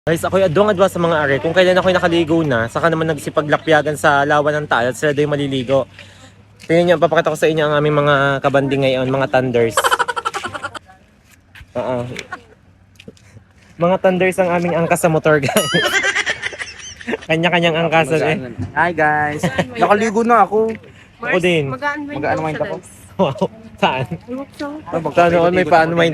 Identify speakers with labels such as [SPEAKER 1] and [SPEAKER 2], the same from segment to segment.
[SPEAKER 1] Guys, ako'y adwang-adwa sa mga are. Kung kailan ako'y nakaligo na, saka naman nagsipaglapyagan sa lawa ng taal at sila do'y maliligo. Tingnan nyo, papakita ko sa inyo ang aming mga kabanding ngayon, mga thunders. Mga thunders ang aming angkas sa motor, guys. Kanya-kanyang angkasan eh.
[SPEAKER 2] Hi guys, nakaligo na ako.
[SPEAKER 1] Ako din.
[SPEAKER 2] Mag-unwind ako.
[SPEAKER 1] Wow, saan? Saan noon may pa-unwind.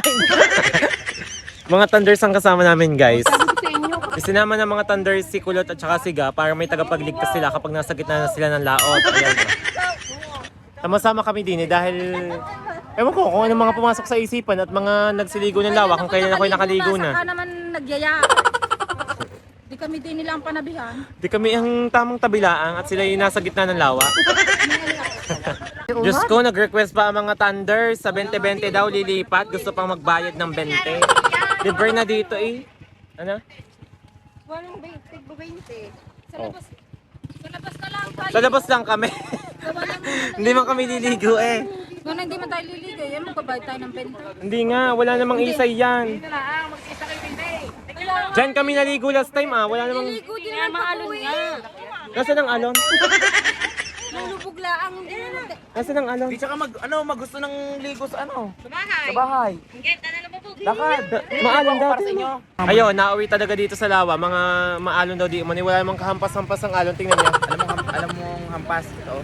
[SPEAKER 1] Mga thunders ang kasama namin, guys. Sinama ng mga thunders si Kulot at saka si Ga para may tagapagligtas sila kapag nasa gitna na sila ng laot. Ayan. Sama-sama kami din eh dahil ewan ko kung ano mga pumasok sa isipan at mga nagsiligo ng lawa kung kailan ako'y nakaligo na.
[SPEAKER 3] Saka naman nagyaya. Di kami din nilang panabihan.
[SPEAKER 1] Di kami ang tamang tabilaang at sila yung nasa gitna ng lawa. Diyos ko, nag-request pa ang mga thunders sa 20-20 daw lilipat. Gusto pang magbayad ng 20. Libre na dito eh. Ano?
[SPEAKER 3] Walang 20. Sa
[SPEAKER 1] Oh.
[SPEAKER 3] labas. Sa labas na lang tayo.
[SPEAKER 1] Sa labas lang kami. Hindi man kami liligo eh.
[SPEAKER 3] Kung hindi man tayo liligo, yan magbabayad tayo ng 20.
[SPEAKER 1] Hindi nga, wala namang isay yan. Diyan kami naligo last time ah. Wala namang...
[SPEAKER 3] Liligo din naman maalon nga.
[SPEAKER 1] Nasaan ang alon?
[SPEAKER 3] Lulubog laang hindi naman.
[SPEAKER 1] Nasaan ang alon?
[SPEAKER 2] Di tsaka magusto ng ligo sa ano? Sa bahay. Lakad.
[SPEAKER 1] Maalon daw.
[SPEAKER 2] Para sa inyo.
[SPEAKER 1] Ayun, nauwi talaga dito sa lawa. Mga maalon daw di umani. Wala namang kahampas-hampas ang alon. Tingnan niyo.
[SPEAKER 2] Alam mong hampas ito.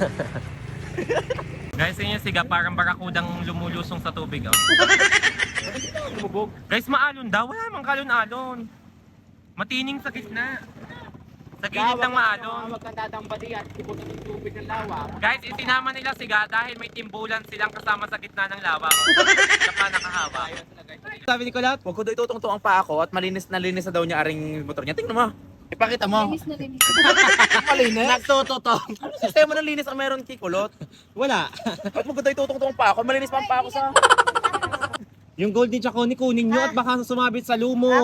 [SPEAKER 1] Guys, yun yung siga. Parang barakudang lumulusong sa tubig. Oh. Guys, maalon daw. Wala namang kalon-alon. Matining sa gitna. Sa gilid ng maalon.
[SPEAKER 2] Huwag kang tatambadi at ipunin ng tubig ng lawa.
[SPEAKER 1] Guys, isinama nila siga dahil may timbulan silang kasama sa gitna ng lawa. Kaya pa nakahawa. Sabi ni Kulat?
[SPEAKER 2] Huwag ko daw itutungtong ang paa ko at malinis na daw niya aring motor niya. Tingnan mo. Ipakita mo.
[SPEAKER 3] Linis na linis.
[SPEAKER 2] Malinis? Nagtututong. Ano sistema ng linis ang meron kay Kulot?
[SPEAKER 1] Wala.
[SPEAKER 2] Ba't mo ko daw itutungtong ang paa ko? Malinis pa ang paa ko sa...
[SPEAKER 1] Yung gold ni Chaconi kunin nyo at baka sumabit sa lumot.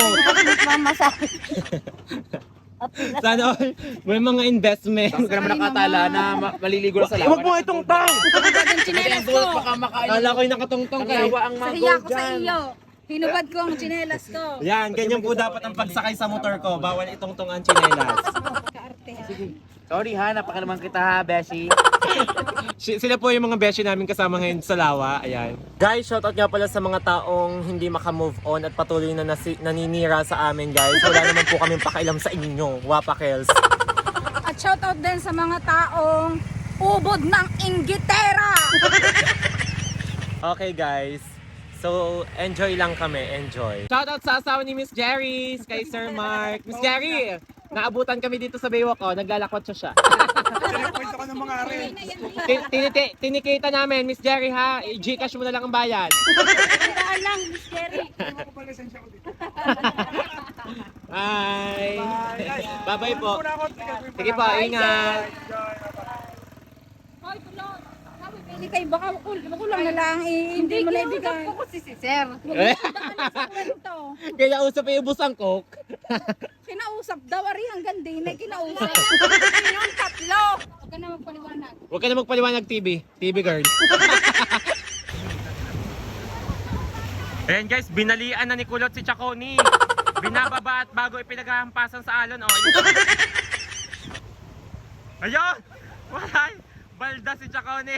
[SPEAKER 1] Sana all, may mga investment.
[SPEAKER 2] Tapos ka naman nakatala na maliligo lang sa lawa. Huwag mo itong tang!
[SPEAKER 3] Ang tsinelas ko.
[SPEAKER 2] Baka makain.
[SPEAKER 1] Kala ko yung nakatungtong
[SPEAKER 2] Ang
[SPEAKER 1] kayo.
[SPEAKER 2] lawa ang
[SPEAKER 3] Sa
[SPEAKER 2] mga
[SPEAKER 3] hiya
[SPEAKER 2] gold
[SPEAKER 3] ko sa
[SPEAKER 2] dyan.
[SPEAKER 3] iyo. Hinubad ko ang tsinelas ko.
[SPEAKER 1] Yan, ganyan po dapat ang pagsakay sa motor ko. Bawal itungtong ang tsinelas.
[SPEAKER 3] Kaarte ha.
[SPEAKER 2] Sorry ha, napaka naman kita ha, Beshi.
[SPEAKER 1] Sila po yung mga beshi namin kasama ngayon sa lawa. Ayan. Guys, shoutout nga pala sa mga taong hindi makamove on at patuloy na naninira sa amin, guys. Wala naman po kaming pakialam sa inyo. Wapakels.
[SPEAKER 3] At shoutout din sa mga taong ubod ng inggitera.
[SPEAKER 1] Okay, guys. So, enjoy lang kami. Enjoy. Shoutout sa asawa ni Miss Jerry, kay Sir Mark. Miss Jerry, naabutan kami dito sa Baywalk. Oh, naglalakwat siya.
[SPEAKER 2] Kwento ko ng mga rin.
[SPEAKER 1] Tinikita namin, Miss Jerry ha. I-Gcash mo na lang ang bayad.
[SPEAKER 3] Tandaan lang, Miss Jerry.
[SPEAKER 1] Bye. Bye-bye po. Sige po, ingat.
[SPEAKER 3] Hoy, tulog. Sabi, pili kayo. Baka kulang na lang. Hindi mo na ibigay. Hindi ko si Sir.
[SPEAKER 1] Kaya usap yung ubus ang coke.
[SPEAKER 3] Kinausap daw. Ari hanggang din ay kinausap. Yung tatlo. Huwag ka na magpaliwanag.
[SPEAKER 1] Huwag ka na magpaliwanag, TV girl. Ayan guys, binalian na ni Kulot si Chaconi. Binababa at bago ipinaghahampasan sa alon. Oh, ayun! Walay! Balda si Chaconi.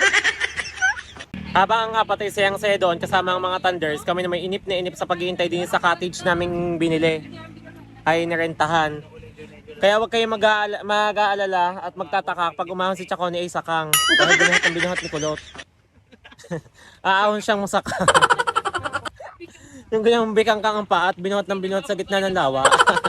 [SPEAKER 1] Habang nga patay sayang saya doon kasama ang mga thunders, kami na may inip na inip sa paghihintay din sa cottage naming binili. Ay nirentahan. Kaya huwag kayong mag-aalala at magtataka pag umahon si Chaconi ay sakang. Dahil binuhat ang binuhat ni Kulot. Aahon siyang masakang. Yung ganyang bikang kang ang paa at binuhat ng binuhat sa gitna ng lawa.